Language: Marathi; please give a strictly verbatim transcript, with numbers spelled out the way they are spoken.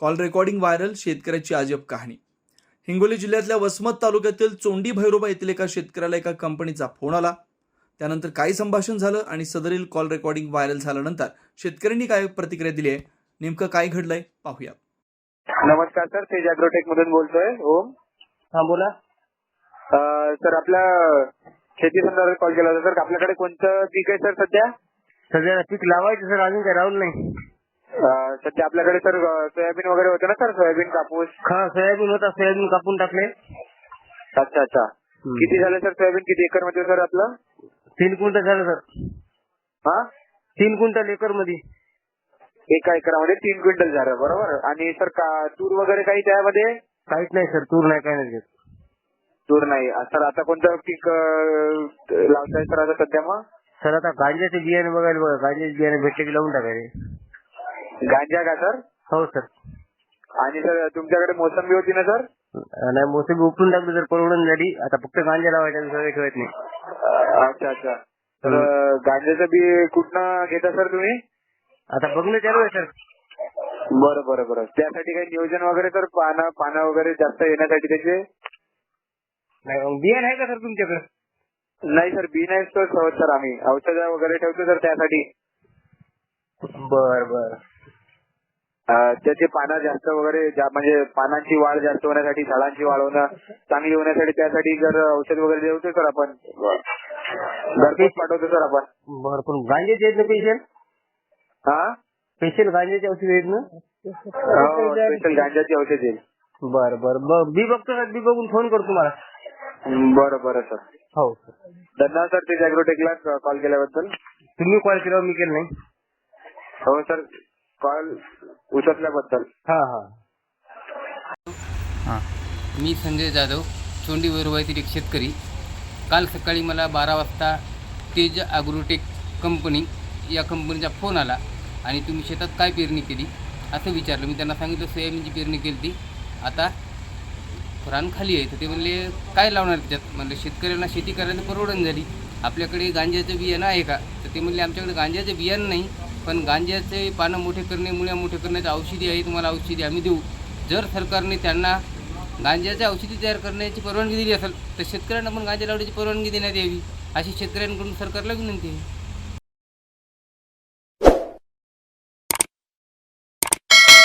कॉल रेकॉर्डिंग व्हायरल, शेतकऱ्याची अजब कहाणी. हिंगोली जिल्ह्यातल्या वसमत तालुक्यातील चोंडी भैरोबा येथील एका शेतकऱ्याला एका कंपनीचा फोन आला. त्यानंतर काय संभाषण झालं आणि सदरील कॉल रेकॉर्डिंग व्हायरल झाल्यानंतर शेतकऱ्यांनी काय प्रतिक्रिया दिली आहे, नेमकं काय घडलंय पाहूया. नमस्कार सर, तेज अॅग्रोटेक मधून बोलतोय. ओम. हा बोला. अं, सर आपल्या शेती संदर्भात कॉल केला होता. सर आपल्याकडे कोणतं पीक आहे सर सध्या? सध्या पीक लावायचं सर, अजून काही राहुल नाही. अं, सध्या आपल्याकडे सर सोयाबीन वगैरे होतं ना सर? सोयाबीन, कापूस. हा सोयाबीन होता, सोयाबीन कापून टाकले. अच्छा अच्छा. किती झालं सर सोयाबीन? किती एकर मध्ये सर आपलं? तीन क्विंटल झालं सर. हा तीन क्विंटल एकर मध्ये. एका एकरामध्ये तीन क्विंटल झालं, बरोबर. आणि सर का तूर वगैरे काही त्यामध्ये? काहीच नाही सर, तूर नाही, काही नाही. तूर नाही. सर आता कोणतं पीक अं, लावताय सर आता सध्या? मग सर आता गांजाचे बियाणे बघायला बघा, गांजाचे बियाणे भेटले की लावून टाकायचे. गांजा का सर? हो सर. आणि सर तुमच्याकडे मोसंबी होती ना सर? नाही, मोसंबी उपटून टाकली सर, परवडून झाली. आता फक्त गांजा लावायचा, सगळे ठेवत नाही. अच्छा अच्छा. तर गांजाचं बी कुठनं घेता सर तुम्ही? आता बघणं चालू आहे सर. बरं बरं बरं. त्यासाठी काही नियोजन वगैरे सर? पानं पानं वगैरे जास्त येण्यासाठी त्याचे? नाही, बियाणे आहे का सर तुमच्याकडे? नाही सर, बी नाही ठेवत सर आम्ही. औषधं वगैरे ठेवतो सर त्यासाठी. बर बर. त्याचे पानं जास्त वगैरे जा- म्हणजे पानांची वाढ जास्त होण्यासाठी, झाडांची वाढ होणं चांगली होण्यासाठी त्यासाठी जर औषध वगैरे देवतो सर आपण. घरपोच पाठवतो सर आपण. बर. पण गांजाचे आहेत ना पेशल? हा स्पेशल गांजाचे औषध आहेत ना? स्पेशल गांजाची औषध येईल. बर बर. बी बघतो सर, बी बघून फोन करतो तुम्हाला. बरं बरं सर. हो सर. धन्यवाद सर, तेज अॅग्रोटेकला कॉल केल्याबद्दल. तुम्ही कॉल केला, मी केलं नाही. हो सर, कॉल उचलल्याबद्दल. हा हा. हां, मी संजय जाधव, चोंडी भैरोबा येथील एक शेतकरी. काल सकाळी मला बारा वाजता तेज ॲग्रोटेक कंपनी या कंपनीचा फोन आला आणि तुम्ही शेतात काय पेरणी केली असं विचारलं. मी त्यांना सांगितलं सोयाबीनची पेरणी केली ती, आता रान खाली आहे. तर ते म्हणले काय लावणार त्याच्यात? म्हणलं शेतकऱ्यांना शेती करायला परवडण झाली, आपल्याकडे गांजाचं बियाणं आहे का? तर ते म्हणले आमच्याकडे गांजाचं बियाणं नाही, पण गांजाचे पानं मोठे करणे, मुळ्या मोठे करण्याचं औषधी आहे, तुम्हाला औषधी आम्ही देऊ. जर सरकारने त्यांना गांजाच्या औषधी तयार करण्याची परवानगी दिली असेल तर शेतकऱ्यांना पण गांजा लावण्याची परवानगी देण्यात यावी, अशी शेतकऱ्यांकडून सरकारला विनंती आहे.